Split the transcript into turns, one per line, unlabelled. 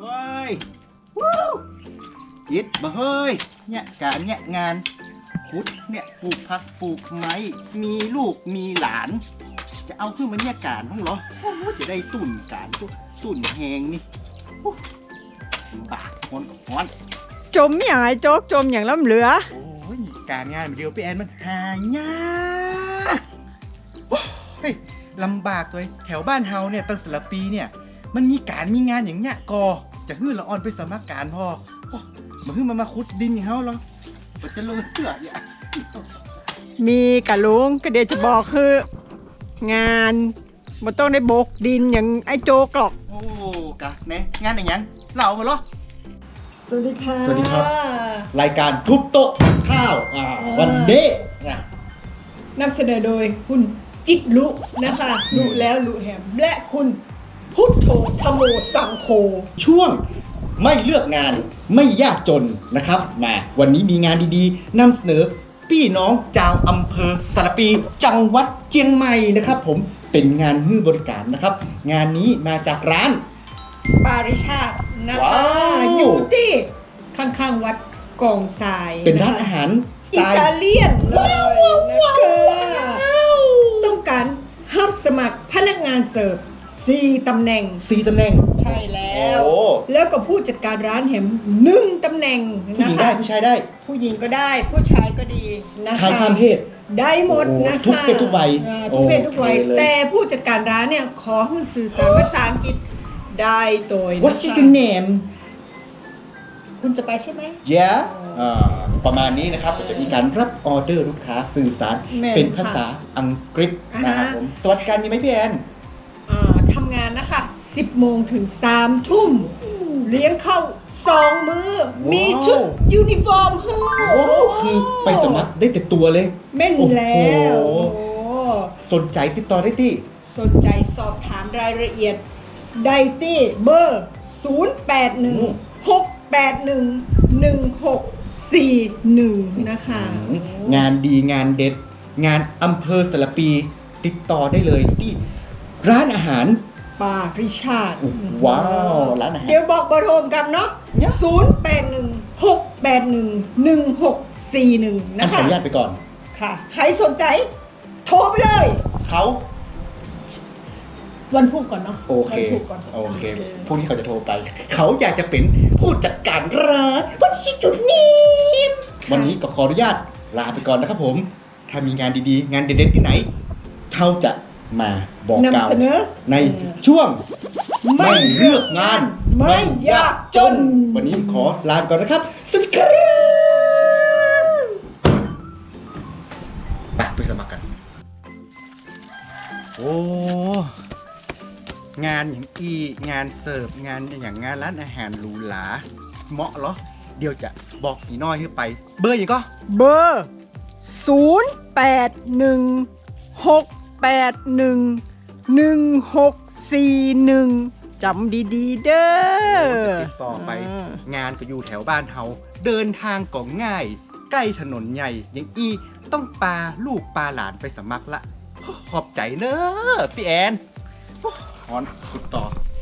ว้ายวู้ยิดมาเฮ้ยเนี่ยการเนี่ยงานขุดเนี่ยปลูกผักปลูกไม้มีลูกมีหลาน จะเอาขึ้นมาเนี่ยการห้องเหรอโอ้จะได้ตุ่นการตุ่นแหงนี่บากคนกับฮ้อน
จมอย่างไรโจ๊กจมอย่างล้ำเหลือ
โอ้ยการงานเดียวพี่แอนมันหายากโอ้ยลำบากเลยแถวบ้านเฮาเนี่ยตั้งแต่ละปีเนี่ยมันมีการมีงานอย่างเงี้ยกอจะฮื้อละออนไปสมัครการพอโอ้มาฮื้อมาขุดดินอย่างเฮาเหรอมันจะเลยเชื่ออย่า
มีกะลุงก็เดี๋ยวจะบอกคือ งานมันต้องได้โบกดินอย่างไอ้โจ๊กหรอก
โอ้กะแน่งานอะไรยังเล่ามาเหรอ
สวัสดีค่ะ
สวัสดีครับ รายการทุบโต๊ะข้าววันเดย์นะ
นำเสนอโดยคุณจิตลุนะคะลุแล้วลุแหมและคุณพุทโธธโมสังโฆ
ช่วงไม่เลือกงานไม่ยากจนนะครับมาวันนี้มีงานดีๆนำเสนอพี่น้องชาวอำเภอสารปีจังหวัดเชียงใหม่นะครับผมเป็นงานมือบริการนะครับ งานนี้มาจากร้าน
ปาริชาตินะ
ว้า
คะ
ว
อยู่ที่ข้างๆวัดกองทราย
เป็นร้านอาหารสไต
อิ
ล์
ตาเลียนเลยนะคะต้องการรับสมัครพนักงานเสิร์ฟ4 ตำแหน่ง
4 ตำแหน่ง
ใช่แล้ว
โอ้
แล้วก็ผู้จัดการร้านแหม1 ตำแหน่ง
ผู้ห
นะ
ญิง
คะ
ได้ผู้ชายได้
ผู้หญิงก็ได้ผู้ชายก็ดีนะคะ
ชายข้ามเพศ
ได้หมดนะคะ
ทุกเพศทุกวัย
ทุกเพศทุกวัย
โอเคเลย
แต่ผู้จัดการร้านเนี่ยขอให้สื่อสารภาษาอังกฤษได้โดย
What's
นะคะ
your name
คุณจะไปใช่ไหม
Yeah ประมาณนี้นะครับจะมีการรับออเดอร์ลูกค้าสื่อสาร
แม่น
เป็นภาษาอังกฤษนะครับผมสวัสดิการมีไหมพี่แอน
ทำงานนะคะ 10 โมงถึง 3 ทุ่ม เลี้ยงเข้า 2 มื้อ มีชุดยูนิฟอร์มให้
โอ้คือไปสมัครได้แต่ตัวเลย
แม่นแล้ว
โอ้โห สนใจติดต่อได้ที่
สนใจสอบถามรายละเอียดได้ที่เบอร์ 0816811641 นะคะ
งานดีงานเด็ด งานอำเภอสารปี ติดต่อได้เลยที่ร้านอาหาร
ปาริชาติ
ว้าวร้านอาหาร
เดี๋ยวบอกเบอร์โทรกันเนาะ
เนี่ย
0816811641
อัน
นะ
ขอ
คะ
อนุญาตไปก่อน
ค่ะ ใครสนใจโทรไปเลย
เขา
วันพุธก่อนเนาะ
โอเค
วันพุธก่อน
โอเคพรุ่งนี้เขาจะโทรไป เขาอยากจะเป็นผู้จัดการร้านวัชิจุดนี้วันนี้ก็ขออนุญาตลาไปก่อนนะครับผม ถ้ามีงานดีๆ งานเด็ดๆที่ไหนเท่าจะมาบอกกล่าวน
ำเสนอ
ในช่วงไม่เลือกงาน
ไม่ยากจน
วันนี้ขอลาไปก่อนนะครับ สวัสดีครับไปสมัครกัน โอ้งานอย่างงานเสิร์ฟงานอย่างงานร้านอาหารหรูหราเหมาะเหรอ เดี๋ยวจะบอกอีน้อยให้ไป เบอร์อย่างก็
เบอร์ 0816811641 จำดีๆเด้อ
ติดต่อไป งานก็อยู่แถวบ้านเฮาเดินทางก็ง่าย ใกล้ถนนใหญ่อย่างต้องปาลูกปาหลานไปสมัครละ ขอบใจเนอะพี่แอนฮอนสุดต่อ